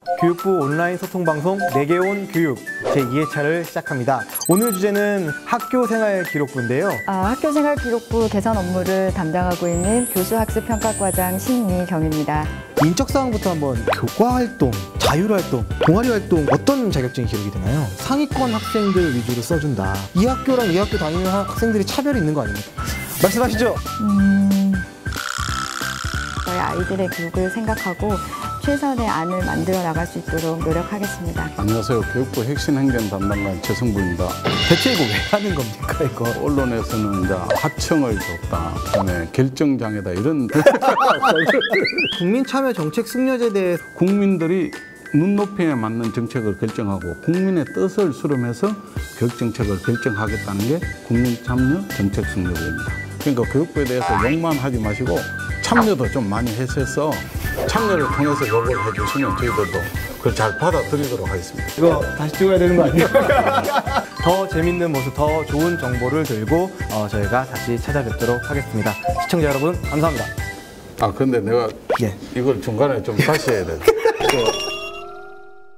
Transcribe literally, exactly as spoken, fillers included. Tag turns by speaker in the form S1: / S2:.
S1: 교육부 온라인 소통방송 내게 온 교육 제이 회차를 시작합니다. 오늘 주제는 학교생활 기록부인데요.
S2: 아, 학교생활 기록부 개선 업무를 담당하고 있는 교수학습평가과장 신미경입니다.
S1: 인적 사항부터 한번 교과활동, 자율활동, 동아리활동 어떤 자격증이 기록이 되나요? 상위권 학생들 위주로 써준다. 이 학교랑 이 학교 다니는 학생들이 차별이 있는 거 아닙니까? 말씀하시죠.
S2: 음... 저희 아이들의 교육을 생각하고 최선의 안을 만들어 나갈 수 있도록 노력하겠습니다.
S3: 안녕하세요. 교육부 혁신행정 담당관 최성부입니다.
S1: 대체 이거 왜 하는 겁니까, 이거?
S3: 언론에서는 이제 하청을 줬다, 그다음에 결정장애다 이런
S1: 국민참여 정책 승려제에 대해
S3: 국민들이 눈높이에 맞는 정책을 결정하고 국민의 뜻을 수렴해서 교육정책을 결정하겠다는 게 국민참여 정책 승려제입니다. 그러니까 교육부에 대해서 욕만 하지 마시고 참여도 좀 많이 해서 참여를 통해서 요구를 해주시면 저희들도 그걸 잘 받아들이도록 하겠습니다.
S1: 이거 다시 찍어야 되는 거 아니에요? 더 재밌는 모습, 더 좋은 정보를 들고 어, 저희가 다시 찾아뵙도록 하겠습니다. 시청자 여러분, 감사합니다.
S3: 아 근데 내가
S1: 예.
S3: 이걸 중간에 좀 다시 해야 돼. 그